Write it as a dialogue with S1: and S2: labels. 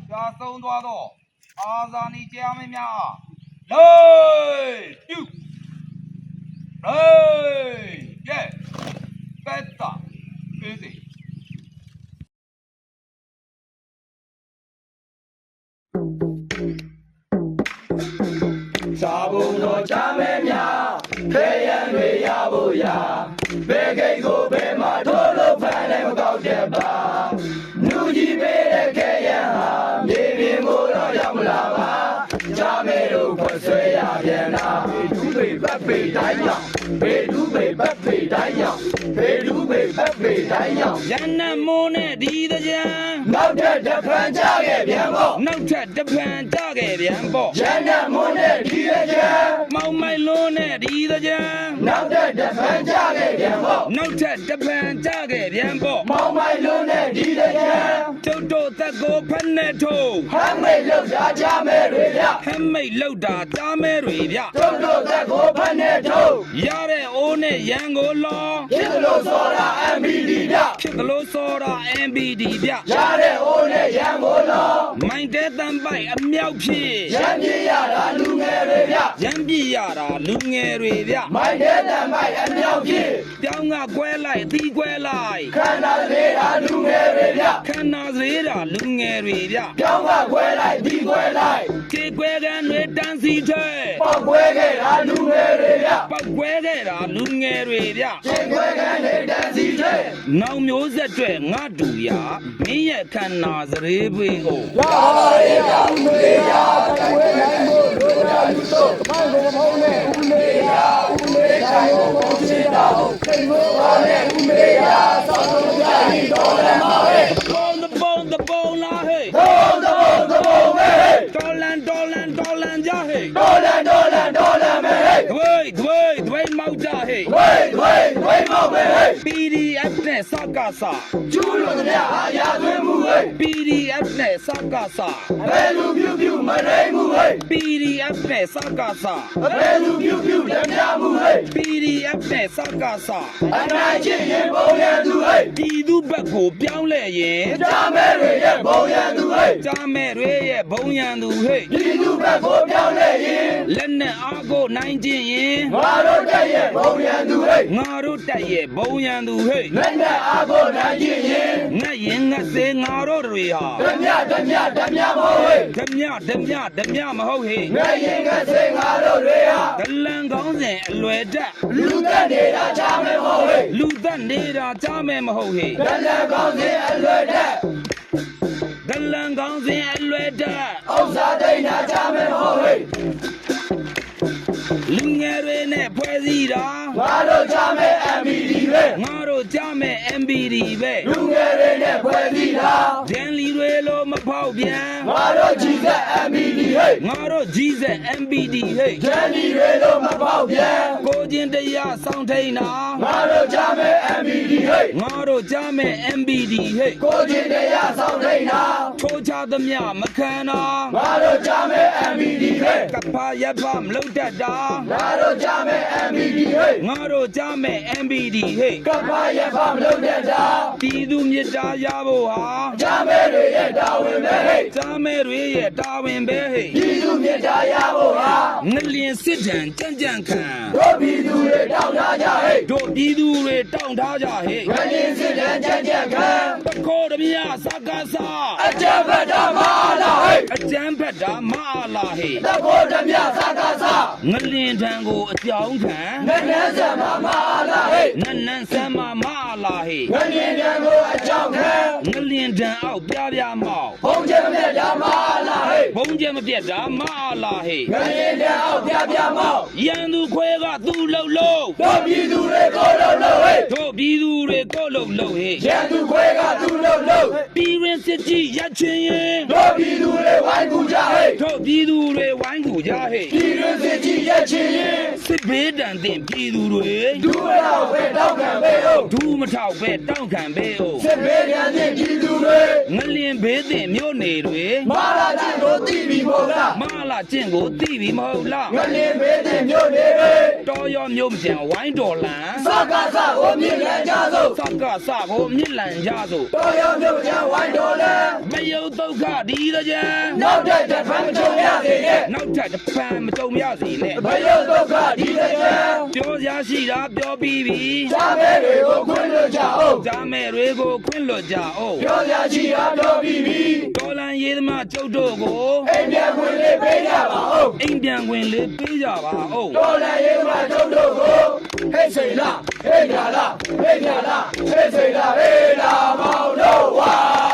S1: ကြာဆုံးသွားတော့အာဇာနည်ကြားမင်းများလေးပြုလေးရဲ့ကတ်တာပြေးစီ
S2: စာဘုံတော်ချမဲများခဲရန်တွေရဖို့ရာဘယ်ကိတ်ကိုဘယ်မှာထိုးလို့ဖမ်းလည်းမကောက်တဲ့ပါနူကြီးပေးတဲ့ခဲရန်ဟာမြေပြင်ကိုတော့ရောက်မလာပါချမဲတို့ခွဆွဲရပြန်တာဘေဒူးပေပတ်ပေတိုင်းရောက်ဘေဒူးပေပတ်ပေတိုင်းရောက်ဘေဒူးပေပတ်ပေတိုင်းရောက်
S3: ရန်နမိုးနဲ့ဒီတကြံ
S2: နောက်ထပ်တစ်ဖန်ကြခဲ့ပြန်ပေါ့
S3: နောက်ထပ်တစ်ဖန်ကြခဲ့ပြန်ပေါ့
S2: ရန်နမိုးနဲ့ဒီတကြံ
S3: မောင်မိုင်လုံးနဲ့ဒီတကြံ
S2: နောက်ထပ်တစ်ဖန်ကြခဲ့ပြန်ပေါ့
S3: နောက်ထပ်တစ်ဖန်ကြခဲ့ပြန်ပေါ့
S2: မောင်မိုင်လုံးနဲ့ဒီတကြံ
S3: ကျုပ်တို့သက်ကိုဖက်နဲ့ထိုး
S2: ဟမ်းမိတ်လောက်တာကြမဲတွေဗျ
S3: ဟမ်းမိတ်လောက်တာကြားမဲတွေဗျ
S2: ကျုပ်တို့သက်ကိုဖက်နဲ့ထိုး
S3: ရတဲ့အိုးနဲ့ရန်ကိုလော
S2: ဖြစ်လို့စောတာ MBD ဗျ
S3: ဖြစ်လို့စောတာ MBD ဗျ
S2: ရတဲ့အိုးနဲ့ရန်ကိုလော
S3: မိုင်းတဲ့တန်ပိုက်အမြောက်ဖြစ်
S2: ရန်ပြရတာလူငယ်တွေဗျ
S3: ရန်ပြရတာလူငယ်တွေဗျ
S2: မိုင်းတဲ့တန်ပိုက်အမြောက်ဖြစ်
S3: ပြောင်းကကွဲလိုက်အသီးကွဲလိုက်
S2: ခန္ဓာလေးတာလူငယ်တွေဗျ
S3: ခန္ဓာသေးတာလူငယ်တွေဗျ
S2: ပြောင်းကကွဲလိုက်ဒီကွဲလိုက်
S3: ခြေကွဲကန်တွေတန်းစီထဲ
S2: ပေါက်ကွဲခဲ့တာလူငယ်တွေဗျ
S3: ပေါက်ကွဲခဲ့တာလူငယ်တွေဗျ
S2: ခြေကွဲကန်တွေတန်းစီထဲ
S3: နောက်မျိုးဆက်တွေငါတူရမင်းရဲ့ခန္ဓာစရေးပွေးကို
S2: ရပါရဲ့ဗျဦးလေးရတိုင်ဝဲနိုင်ဖို့လိုရာလူတို့မိုင်းကိုမဟုတ်နဲ့ဦးလေးရဦးလေးတိုင်းကိုပုံချင်တာစိတ်မိုးပါနဲ့ဦးလေးရသောက်ဆုံးကြရင်တော်လည်းမဟဲ့
S3: the bone la hey
S2: the bone me hey
S3: dolan ja hey
S2: dolan me hey
S3: dway mau ja hey
S2: dway mau me hey
S3: PDF နဲ့စကားစာ
S2: ကျူးလို့တဲ့အာရသွင်းမှုဟဲ့
S3: PDF နဲ့စကားစာ
S2: ဘယ်လူပြုမရိမှုဟဲ့
S3: PDF နဲ့စကားစာ
S2: ဘယ်လူပြုလက်များမှုဟဲ့
S3: PDF နဲ့စကားစာ
S2: အနိုင်ချင်းရင်ပုံရန်သူဟဲ့
S3: ပြည်သူဘက်ကိုပြောင်းလဲရင်
S2: ကြားမဲတွေရဲ့ပုံရန်သူဟဲ့
S3: ကြားမဲတွေရဲ့ဘုံရန်သူဟဲ့
S2: ပြည်သူဘက်ကိုပြောင်းလဲရင်
S3: လက်နဲ့အားကိုနိုင်ခြင်းရင်
S2: ငါတို့တက်ရဲ့ဘုံရန်သူဟဲ့
S3: ငါတို့တက်ရဲ့ဘုံရန်သူဟဲ့
S2: လက်နဲ့အားကိုနိုင်ခြင်းရင်
S3: ငတ်ရင်ငတ်စေငါတို့တွေဟာ
S2: ဓမြမဟုတ်ဟဲ့
S3: ဓမြမဟုတ်ဟဲ့
S2: ငတ်ရင်ငတ်စေငါတို့တွေဟာ
S3: ဒလန်ကောင်းစဉ်အလွယ်တက်
S2: လူသက်နေတာကြားမဲမဟုတ်ဟဲ့
S3: လူသက်နေတာကြားမဲမဟုတ်ဟဲ့
S2: ဒလန်ကောင်းစဉ်အလွယ်တက်
S3: ဒလန်ကောင်းစဉ်အလွယ်တက်
S2: ဥစ္စာတိတ်နာကြားမဲမဟုတ်ဟဲ့
S3: လူငယ်တွေနဲ့ဖွဲ့စည်းတာ
S2: ငါတို့ကြားမဲ MBD ပဲ
S3: ငါတို့ကြားမဲ MBD ပဲ
S2: လူငယ်တွေနဲ့ဖွဲ့စည်းတာ
S3: ဒန်လီတွေလိုမဖောက်ပြန်
S2: ငါတို့ကြီးစက် MBD ဟဲ့
S3: ငါတို့ကြီးစက် MBD ဟဲ့
S2: ဒန်လီတွေလိုမဖောက်ပြန်
S3: ကိုချင်းတရားစောင့်ထိန်တာ
S2: ငါတို့ကြားမဲ MBD ဟဲ့
S3: ငါတို့ကြားမဲ MBD ဟဲ့
S2: ကိုချင်းတရားစောင့်ထိန်တာ
S3: ထိုးချသမျှမခံတာ
S2: ငါတို့ကြားမဲ MBD ဟဲ့
S3: ကဖာရပ်ဖာမလုပ်တတ်တာ
S2: ငါတို့ကြားမဲ MBD ဟဲ့
S3: ငါတို့ကြားမဲ MBD ဟဲ့
S2: ကဖာရပ်ဖာမလုပ်တတ်တာ
S3: ပြည်သူမြစ်တာရဖို့ဟာ
S2: ကြားမဲတွေရဲ့တာဝန်ပဲဟဲ့
S3: ကြားမဲတွေရဲ့တာဝန်ပဲဟဲ့
S2: ပြည်သူမြစ်တာရဖို့ဟာ
S3: ငလျင်စစ်တမ်းကြံ့ခံ
S2: တို့ပြည်သူတွေတောင်းထားကြဟဲ့
S3: တို့ပြည်သူတွေတောင်းထားကြဟဲ့
S2: ငလျင်စစ်တမ်းကြံ့ခံ
S3: တခိုးဓမြစကားစာ
S2: အကြံဖတ်တာမအားလားဟဲ့
S3: အကြံဖတ်တာမအားလားဟဲ့
S2: တခိုးဓမြစကားစာ
S3: ငလျင်ထံကိုအကြောင်းခံ
S2: နန်းဆံမမအားလားဟဲ့
S3: နန်းဆံမမအားလားဟဲ့
S2: ငလျင်ထံကိုအကြောင်းခံ
S3: ငလျင်ထံအောက်ပြမောက်
S2: ဘုံကျဲမပြတ်တာမအားလားဟဲ့
S3: ဘုံကျဲမပြတ်တာမအားလားဟဲ့
S2: ငလျင်ထံအောက်ပြမောက်
S3: ရန်သူခွဲကသူ့လှုပ်လို့
S2: တို့ပြည်သူတွေကိုလှုပ်ဟဲ့
S3: တို့ပြည်သူတွေကိုလှုပ်ဟဲ့
S2: ရန်သူခွဲကသူ့လှုပ်
S3: ပြည်ရင်းစစ်ကြီးရချင်းရင်
S2: တို့ပြည်သူတွေဝိုင်းကူကြဟဲ့
S3: တို့ပြည်သူတွေဝိုင်းကူကြဟဲ့
S2: ပြည်ရင်းစစ်ကြီးရချင်းရင်
S3: စစ်ဘေးဒဏ်သင့်ပြည်သူတွေ
S2: ဒူးမထောက်ပဲတောက်ခံပဲဟုတ်
S3: ဒူးမထောက်ပဲတောက်ခံပဲဟုတ်
S2: စစ်ဘေးဒဏ်သင့်ပြည်သူတွေ
S3: ငလျင်ဘေးသင့်မြို့နေတွေ
S2: မာလာချင်းကိုသိပြီမဟုတ်လား
S3: မလာကျင့်ကိုသိပြီမဟုတ်လား
S2: ငလင်းမေးတဲ့မြို့နေတွေ
S3: တော်ရောမြို့မကျန်ဝိုင်းတော်လန်
S2: စကားစကိုမြင်ရကြစို့
S3: စကစကိုမြစ်လန်ကြစို့
S2: တော်ရောမြို့ချမ်းဝိုင်းတော်လဲ
S3: မယုတ်ဒုက္ခဒီတကြံ
S2: နောက်တဲ့တစ်ဖန်မချုံရစေနဲ့
S3: နောက်ထပ်တစ်ပံမကြုံရစီနဲ့
S2: ဘယုတ်ဒုက္ခဒီတစ်ချမ်း
S3: ပြောစရာရှိတာပြောပြီးပြီ
S2: ရှားမဲတွေကိုခွင့်လွှတ်ကြအောင်
S3: ဂျာမဲတွေကိုခွင့်လွတ်ကြအောင်
S2: ပြောရချီအားတော်ပြီးပြီ
S3: တော်လန်ရေးသမားကျုပ်တို့ကို
S2: အိမ်ပြန်ခွင့်လေးပေးကြပါဦး
S3: အိမ်ပြန်ခွင့်လေးပေးကြပါဦး
S2: တော်လည်းရေးမှာတို့တို့ကိုဟဲ့စိန်လားဟဲ့ညာလားဟဲ့ညာလားဟဲ့စိန်လားဟဲ့လာမောင်တို့ဝါ